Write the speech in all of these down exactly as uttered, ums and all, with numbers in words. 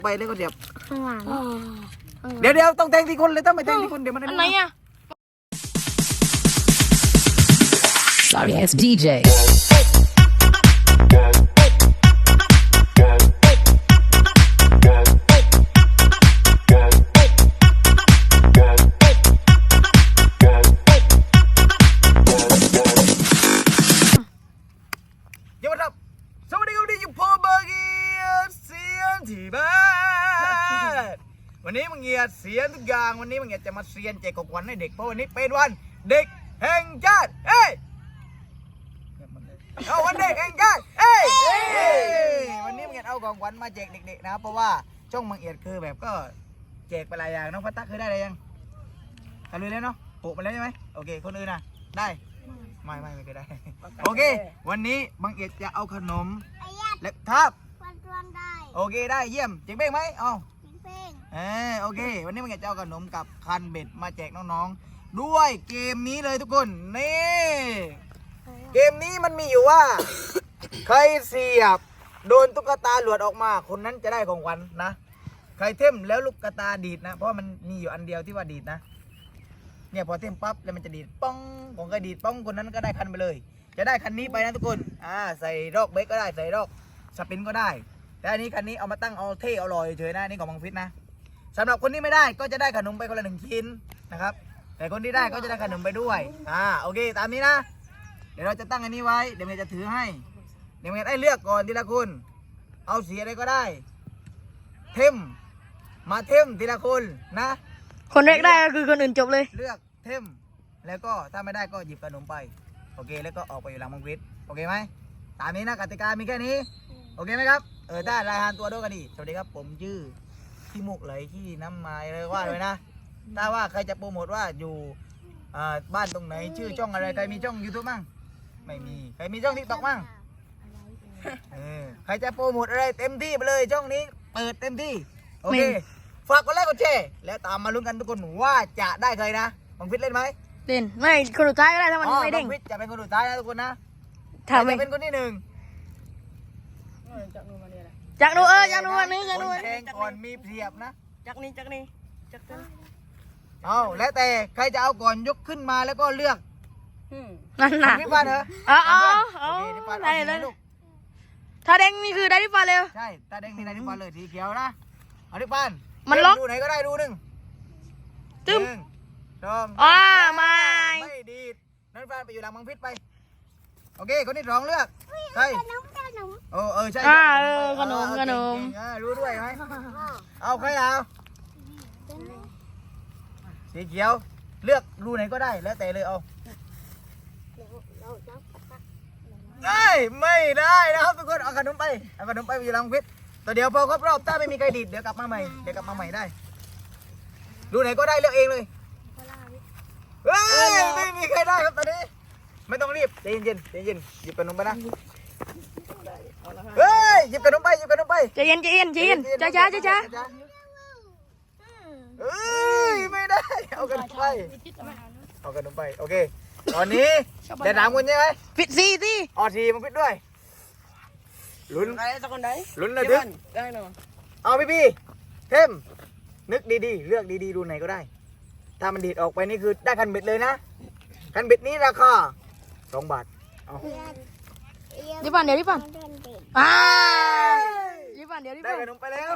ไปแล้วก็เสียบข้างหลังเดี๋ยวเดี๋ยวต้องแทงที่คนเลยต้องไปแทงที่คนเดี๋ยวมันอันไหนอ่ะ Sorry ass ดี เจเดี๋ยวครับสวัสดีครับที่อยู่พอบาเกียเสียนที่บ้านวันนี้มึงเงียเสียนทุกอย่างวันนี้มึงเงียจะมาเสียนแจกของขวัญให้เด็กเพราะวันนี้เป็นวันเด็กแห่งชาติเอ้ยเอาวันเด็กแห่งชาติเอ้ยวันนี้มึงเงียเอาของขวัญมาแจกเด็กๆนะเพราะว่าช่องมึงเอียดคือแบบก็แจกไปหลายอย่างน้องพัตตาเคยได้อะไรยังทำเลยแล้วเนาะปลูกมาแล้วใช่ไหมโอเคคนอื่นนะได้ไม่ไม่ไม่เคยได้โอเควันนี้บังเอียดจะเอาขนมเล็บทับวันรวมได้โอเคได้เยี่ยมเจ๋งเป้งไหมเอาเพ่งเออโอเควันนี้บังเอียดจะเอาขนมกับคันเบ็ดมาแจกน้องๆด้วยเกมนี้เลยทุกคนนี่เกมนี้มันมีอยู่ว่า ใครเสียบโดนตุ๊กตาหลวดออกมาคนนั้นจะได้ของขวัญนะใครเท่มแล้วลูกกระตาดีดนะเพราะมันมีอยู่อันเดียวที่ว่าดีดนะเนี่ยพอเท่มปั๊บแล้วมันจะดีดป้องของใครดีดป้องคนนั้นก็ได้คันไปเลยจะได้คันนี้ไปนะทุกคนอ่าใส่รอกเบรกก็ได้ใส่รอกสปินก็ได้แต่อันนี้คันนี้เอามาตั้งเอาเท่เอาลอยเฉยนะนี่ของบังฟิศนะสำหรับคนที่ไม่ได้ก็จะได้ขนมไปคนละหนึ่งชิ้นนะครับแต่คนที่ได้ก็จะได้ขนมไปด้วยอ่าโอเคตามนี้นะเดี๋ยวเราจะตั้งอันนี้ไว้เดี๋ยวเมย์จะถือให้เดี๋ยวเมย์ได้เลือกก่อนทีละคนเอาสีอะไรก็ได้เทมมาเทมทีละคนนะคนแรกได้ก็คือคนอื่นจบเลยเลือกเทมแล้วก็ถ้าไม่ได้ก็หยิบขนมไปโอเคแล้วก็ออกไปอยู่หลังบังฟิศโอเคไหมตามนี้นะกติกามีแค่นี้โอเคไหมครับเออได้รายงานตัวด้วยกันดีสวัสดีครับผมชื่อขี้มุกไหลขี้น้ำไม้เลยว่าเลยนะถ้าว่าใครจะโปรโมทว่าอยู่อ่าบ้านตรงไหนชื่อช่องอะไรใครมีช่อง ยูทูบ มั่งไม่มีใครมีช่อง ทิกต็อก มั่งเออใครจะโปรโมทอะไรเต็มที่ไปเลยช่องนี้เปิดเต็มที่โอเคฝากกดไลค์กดแชร์แล้วตามมาลุ้นกันทุกคนว่าจะได้ใครนะบังฟิศเล่นไหมเล่นไม่คนสุดท้ายก็ได้ถ้ามันอ๋อไม่เด้งบังฟิศจะเป็นคนสุดท้ายนะทุกคนนะถ้าใครไม่จะเป็นคนที่หนึ่งจากนู้นเออจากนู้นวันนี้จากคนู้นนแทงก่อนมีเปรียบนะจากนี้จากนี้จากนี้เอาแล้วแต่ใครจะเอาก่อนยกขึ้นมาแล้วก็เลือกนั่นน่ะพี่ปานเหรออ๋ออ๋อโอเคพี่ปานได้เอาสีเลยลูกถ้าเด้งนี่คือได้ที่ฟ้าเร็วใช่ตาแดงนี่ได้พี่ปานเลยสีเขียวนะเอาพี่ปานมันล็อกดูไหนก็ได้ดูหนึ่งตึ้มหนึ่งสองอ่าไม่ไม่ดีดนั่นปานไปอยู่หลังบังฟิศไปโอเคคนที่สองเลือกใครโอ้เออใช่อ่าเออขนมเออขนมเก่งๆเออรู้ด้วยไหมเอาใครเอาสีเขียวเลือกรูไหนก็ได้แล้วแต่เลยเอาได้ไม่ได้นะครับทุกคนเอาขนมไปเอาขนมไปอยู่หลังฟิตแต่เดี๋ยวพอครบรอบถ้าไม่มีใครดีดเดี๋ยวกลับมาใหม่เดี๋ยวกลับมาใหม่ได้รูไหนก็ได้เลือกเองเลยเฮ้ยไม่มีใครได้ครับตอนนี้ไม่ต้องรีบใจเย็นๆใจเย็นหยิบขนมไปนะเฮ้ยหยิบขนมไปหยิบขนมไปใจเย็นใจเย็นใจเย็นช้าช้าช้าช้าเอ้ยไม่ได้เอาขนมไปเอาขนมไปโอเคตอนนี้เดี๋ยวถามคุณใช่ไหมปิดซีสิออทีมาพิดด้วยลุ้นใครสักคนไหนลุ้นระทึกได้เนาะเอาพี่พี่เทมนึกดีๆเลือกดีๆดูไหนก็ได้ถ้ามันดีดออกไปนี่คือได้คันเบ็ดเลยนะคันเบ็ดนี้ราคาสองบาทเอาดิปันเดี๋ยวดิปันอ่าดิปันเดี๋ยวดิได้ปันขนมไปแล้ว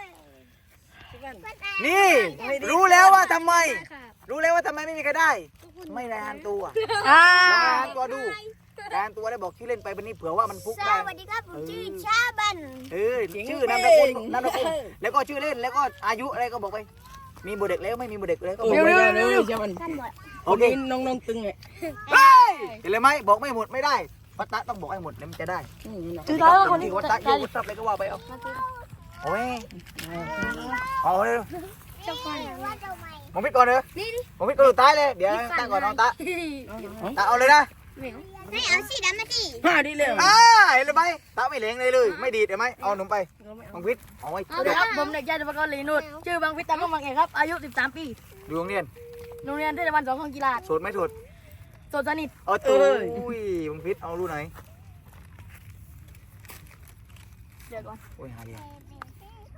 นี่รู้แล้วว่าทำไม รู้แล้วว่าทำไมไม่มีใครได้ ไม่รายงานตัวอ่ารายงานตัวดูรายงานตัวได้บอกชื่อเล่นไปวันนี้เผื่อว่ามันฟุกสได้วัสดีครับผมชื่อชาบันเออชื่อนามสกุลนามสกุลแล้วก็ชื่อเล่นแล้วก็อายุอะไรก็บอกไป มีบุเด็กแล้วไม่มีบุเด็กแล้วก็บอกเร็วไปเร็วเร็วเจ้ามันโอเคน้องน้องตึงไงเฮ้ยเห็นเลยไหมบอกไม่หมดไม่ได้พัตตะต้องบอกให้หมดแล้วมันจะได้ชื่อเขาคนที่นี้วัตตะยูวัตตะอะไรก็ว่าไปเอาโอ้ยเอาเลยมองพิดก่อนเลยมองพิดก่อนสุดท้ายเลยเดี๋ยวตั้งก่อนน้องตะตะเอาเลยนะไม่เอาสีดำมาดิห้าดีเร็วอ่าเห็นเลยไหมตะไม่เหลงเลยเลยไม่ดีดเห็นไหมเอาหนุ่มไปมองพิดเอาไว้สวัสดีครับผมเด็กชายสุภกรลีนุชชื่อบางพิตาก็บางเอกครับอายุสิบสามปีดูโรงเรียนโรงเรียนเทศบาลสองของกีฬาโสดไหมโสดโสดสนิทเออตัวอุ้ยมองพิดเอารูไหนเดี๋ยวก่อนโอ้ยหาดี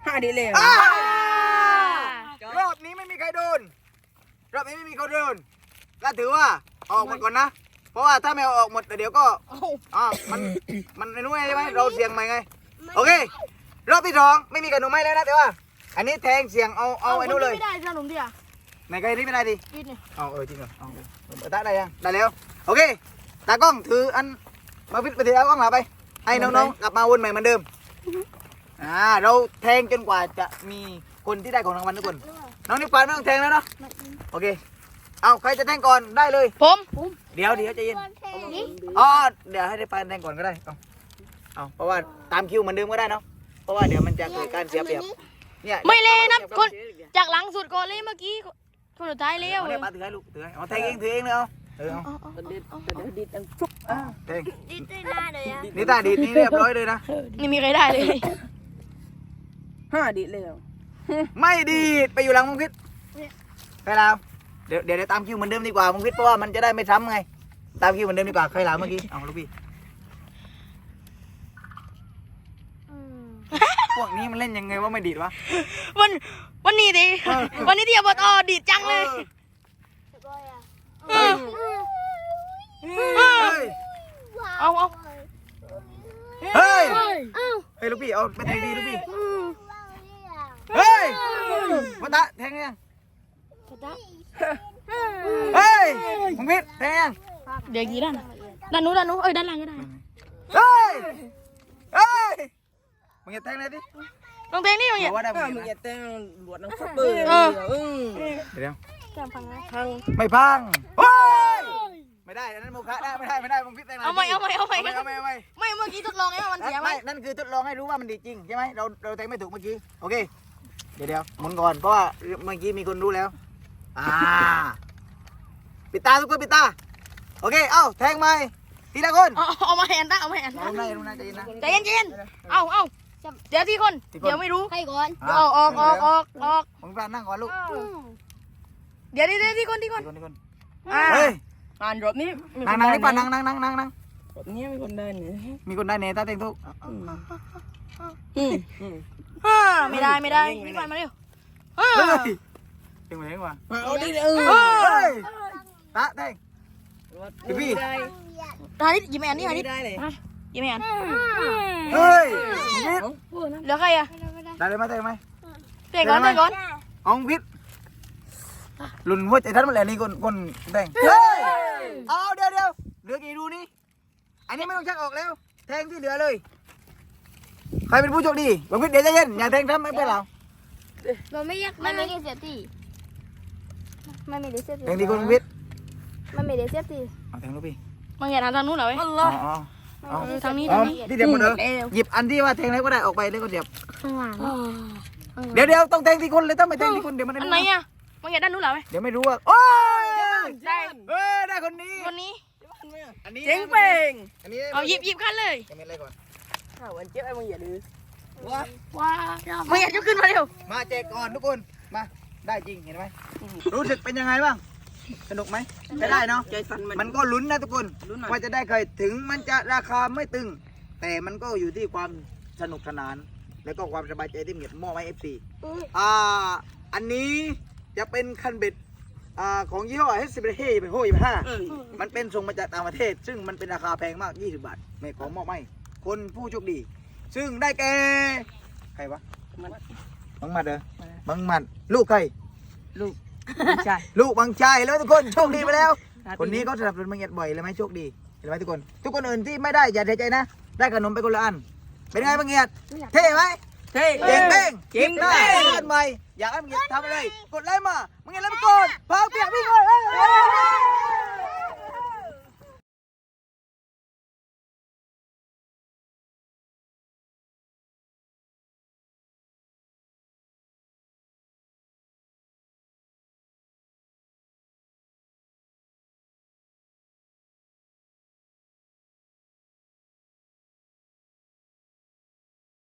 ห้าดีเลยอ่ารอบนี้ไม่มีใครโดนรอบนี้ไม่มีใครโดนก็ถือว่าออกหมดก่อนนะเพราะว่าถ้าไม่เอาออกหมดเดี๋ยวก็อ่ามันมันไม่รู้ไงใช่ไหมเราเสี่ยงใหม่ไงโอเครอบที่สองไม่มีขนมไม้แล้วนะแต่ว่า อันนี้แทงเสี่ยงเอาเอาไอ้นู้นเลยไม่ได้ขนมดิอ่ะไหนใครนี่ไม่ได้ดิกินเนี่ยเอาเออจริงเหรอเอาเอาได้ได้ยังได้แล้วโอเคตากล้องถืออันมาพิษไปถือเอากล้องหลับไปให้น้องๆกลับมาวนใหม่เหมือนเดิมอ่าเราแทงจนกว่าจะมีคนที่ได้ของรางวัลทุกคนน้องนิ้วกวาดไม่ต้องแทงแล้วเนาะโอเคเอาใครจะแทงก่อนได้เลยผมเดี๋ยวเดี๋ยวใจเย็นอ๋อเดี๋ยวให้ได้ปานแทงก่อนก็ได้เอาเอาเพราะว่าตามคิวเหมือนเดิมก็ได้เนาะเพราะว่าเดี๋ยวมันจะเกิดการเสียเปรียบเนี่ยไม่เลยนะคนจากหลังสุดก่อนเลยเมื่อกี้คนสุดท้ายเลี้ยวเอาเนี่ยปาถือให้ลูกถือให้เอาแทงเองถือเองเลยเอาเออเอาเด็ดเดี๋ยวดิดอันฟุกอ่ะแทงดีได้หน้าเลยอ่ะนี่ตาดีดนี่เรียบร้อยเลยนะนี่มีใครได้เลยห้าดีเลยไม่ดีดไปอยู่หลังมึงพิษใครลาวเดี๋ยวเดี๋ยวตามคิวเหมือนเดิมดีกว่ามึงพิษเพราะว่ามันจะได้ไม่ซ้ำไงตามคิวเหมือนเดิมดีกว่าใครลาวเมื่อกี้เอาลูกพี่พวกนี้มันเล่นยังไงว่าไม่ดีดวะวันวันนี้ดิวันนี้ที่อบตดีดจังเลยเฮ้ยเฮ้ยเอาเอาเฮ้ยเฮ้ยลูกพี่เอาไปแทงดีลูกพี่เฮ้ยวัตะแทงยังเฮ้ยมึงพิษแทงยังเดี๋ยวกี่ด้านด้านนู้นด้านนู้นเอ้ยด้านล่างก็ได้เฮ้ยเฮ้ยมึงอย่าแทงเลยดิลองเพลงนี่ลองบอย่าอกว่าได้ถ้ามึมึงงอย่าจะแต่งหลวดน้ำฟักเบอร์อืมเดี๋ยวแก้มพังนะทางไม่พังเฮ้ยไม่ได้อันนั้นโมฆะได้ไม่ได้ไม่ได้มึงพิษแทงเอาใหม่เอาใหม่เอาใหม่เอาใหม่เอาใหม่ไม่เมื่อกี้ทดลองไงว่ามันเสียไหมไม่นั่นคือทดลองให้รู้ว่ามันดีจริงใช่ไหมเราเราแทงไม่ถูกเมื่อกี้โอเคเดี๋ยวเดี๋ยวหมุนก่อนเพราะว่าเมื่อกี้มีคนรู้แล้วอ่าปิดตาทุกคนปิดตาโอเคเอ้าแทงไหมทีละคนเอาเอามาแอนตาเอามาแอนเอาหน้าเอาหน้าใจเย็นนะใจเย็นใจเย็นเอาเอาเดี๋ยวที่คนที่คนเดี๋ยวไม่รู้ใครก่อนเดี๋ยวออกออกออกออกออกผมพานั่งก่อนลูกเดี๋ยวเดี๋ยวที่คนที่คนที่คนที่คนอ่าเฮ้ยอ่านรถนี้นั่งนั่งนี่ป่ะนั่งนั่งนั่งนั่งนั่งรถนี้มีคนได้เนี่ยมีคนได้เนต้าเต็งทุกอืมอ่าไม่ได้ไม่ได้นี่ไปมาเร็วอ่าเฮ้ยเต็งไปเต็งว่ะเอาดิเออเฮ้ยตาเต็ง พี่ได้ทายยิ้มแอนนี่ทายไม่ได้เลยยิ้มแอนเฮ้ยพิษเหลือใครอ่ะได้เลยไหมเต็งไหมเตะก่อนเตะก่อนอองพิษหลุนหัวใจท่านมันแหละนี่คนคนเต็งเฮ้ยเอาเดี๋ยวเดี๋ยวเหลือกี่รูนี่อันนี้ไม่ต้องชักออกแล้วแทงที่เหลือเลยใครเป็นผู้โชคดีบังพิษเดี๋ยวใจเย็นอย่าแทงทำไม่เป็นไรมันไม่ยากมันไม่ได้เสียทีมันไม่ได้เสียทีแทงที่คนบังพิษมันไม่ได้เสียทีเอาแทงลูกพี่มึงอย่าทำทางนู้นเหรอเว้ยอ๋ออ๋ออ๋อทางนี้อ๋อทางนี้ที่เดียวหมดเลยหยิบอันที่ว่าแทงแล้วก็ได้ออกไปแล้วก็เดียบข้างหลังเดี๋ยวเดี๋ยวต้องแทงที่คนเลยต้องไปแทงที่คนเดี๋ยวมันอันไหนอ่ะมึงอย่าด้านนู้นเหรอเว้ยเดี๋ยวไม่รู้ว่าโอ้ยได้เฮ้ยได้คนนี้คนนี้อันนี้เจ๋งเป่งอันนี้เอาหยิบหยิบขั้นเลยจะเป็นอะไรก่อนข้าววันเจ๊ไอ้มึงอย่าดื้อว้าว้ามึงอย่าจะขึ้นมาเร็วมาแจกก่อนทุกคนมาได้จริงเห็นไหมรู้สึกเป็นยังไงบ้างสนุกไหมไม่ได้เนาะใจสั่นมันมันก็ลุ้นนะทุกคนลุ้นหน่อยว่าจะได้ใครถึงมันจะราคาไม่ตึง แต่มันก็อยู่ที่ความสนุกสนาน แล้วก็ความสบายใจที่เหมียดมอบให้เอฟซีอ่าอันนี้จะเป็นคันเบ็ดอ่าของยี่ห้อเฮสเบเฮ่เป็นโฮยี่ห้าเออมันเป็นส่งมาจากต่างประเทศ ซึ่งมันเป็นราคาแพงมากยี่สิบบาทไม่ของมอบให้คนผู้โชคดี ซึ่งได้แก่ใครวะมันบังหมัดเหรอบังหมัดลูกใครลูกไม่ใช่ลูกบางชายแล้วทุกคนโชคดีไปแล้ว คนนี้เขาสนับสนุนบังเงียดบ่อยเลยไหมโชคดีเห็นไหมทุกคน ทุกคนอื่นที่ไม่ได้อย่าเสียใจนะ ได้ขนมไปคนละอัน เป็นไงบังเงียดเท่ไหมเท่เก่งเป้งเก่งหน้าเป้งเพื่อนใหม่อยากให้บังเงียดทำอะไรกดไลค์มาบังเงียดแล้วไปกดพาเปียกวิ่งเลย